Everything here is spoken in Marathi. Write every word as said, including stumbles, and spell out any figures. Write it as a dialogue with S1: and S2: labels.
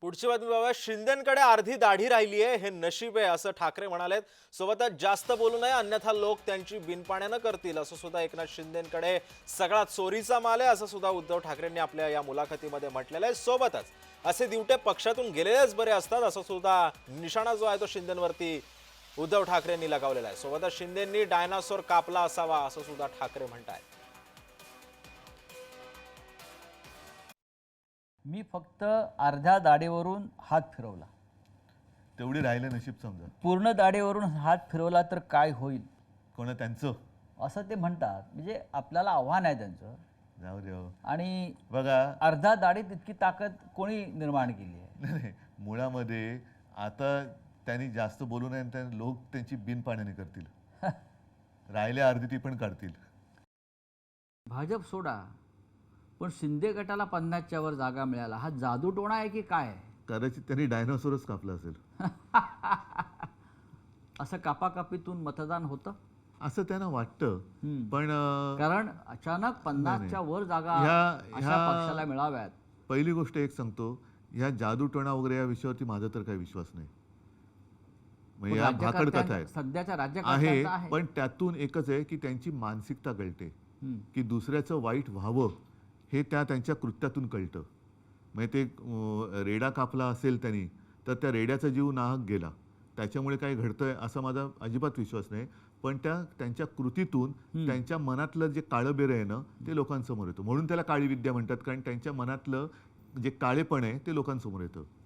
S1: पुढची बातमी बाबा, शिंदेंकडे अर्धी दाढी राहिली आहे हे नशीब आहे असं ठाकरे म्हणालेत. सोबतच जास्त बोलू नये अन्यथा लोक त्यांची बिनपाण्यानं करतील असं सुद्धा एकनाथ शिंदेंकडे सगळा चोरीचा माल आहे असं सुद्धा उद्धव ठाकरेंनी आपल्या या मुलाखतीमध्ये म्हटलेलं आहे. सोबतच असे दिवटे पक्षातून गेलेलेच बरे असतात असं सुद्धा निशाणा जो आहे तो शिंदेंवरती उद्धव ठाकरेंनी लगावलेला आहे. सोबतच शिंदेंनी डायनासोर कापला असावा असं सुद्धा ठाकरे म्हणतात.
S2: मी फक्त अर्ध्या दाढीवरून हात फिरवला,
S3: तेवढी राहिले नशीब समजा.
S2: पूर्ण दाढीवरून हात फिरवला तर काय होईल
S3: कोणा त्यांचं
S2: असं ते म्हणतात. म्हणजे आपल्याला आव्हान आहे त्यांचं.
S3: जाऊ दे हो.
S2: आणि
S3: बघा
S2: अर्धा दाढीत इतकी ताकद कोणी निर्माण केली आहे?
S3: नाही नाही, मुळामध्ये आता त्यांनी जास्त बोलू नये आणि लोक त्यांची बिनपाण्याने करतील. राहिले अर्धी ती पण काढतील.
S2: भाजप सोडा, पण शिंदे गटाला पन्नासच्या वर जागा मिळाला हा जादूटोणा आहे की काय?
S3: कदाचित त्यांनी डायनोसॉरच कापला असेल.
S2: असं कापाकापीतून मतदान होतं
S3: असं त्यांना वाटतं. पण अं,
S2: कारण अचानक पन्नासच्या वर जागा
S3: ह्या-
S2: अशा
S3: ह्या-
S2: पक्षाला मिळाव्यात.
S3: पहिली गोष्ट एक सांगतो, ह्या जादूटोणा वगैरे या विषयावरती माझा तर काही विश्वास नाही. म्हणजे या भाकड कथा
S2: राज्यकर्त्यां-
S3: आहेत
S2: सध्याच्या
S3: आहे.
S2: राज्यकर्त्यांचा आहे.
S3: पण त्यातून एकच आहे की त्यांची मानसिकता कळते
S2: हम्म.
S3: की दुसऱ्याचं वाईट व्हावं हे त्या त्यांच्या कृत्यातून कळतं. म्हणजे ते अं, रेडा कापला असेल त्यांनी तर त्या रेड्याचा जीव नाहक गेला, त्याच्यामुळे काही घडतंय असा माझा अजिबात विश्वास नाही. पण त्या त्यांच्या कृतीतून त्यांच्या मनातलं जे काळं बेरं आहे ना ते लोकांसमोर येतं. म्हणून त्याला काळी विद्या म्हणतात, कारण त्यांच्या मनातलं जे काळेपण आहे ते लोकांसमोर येतं.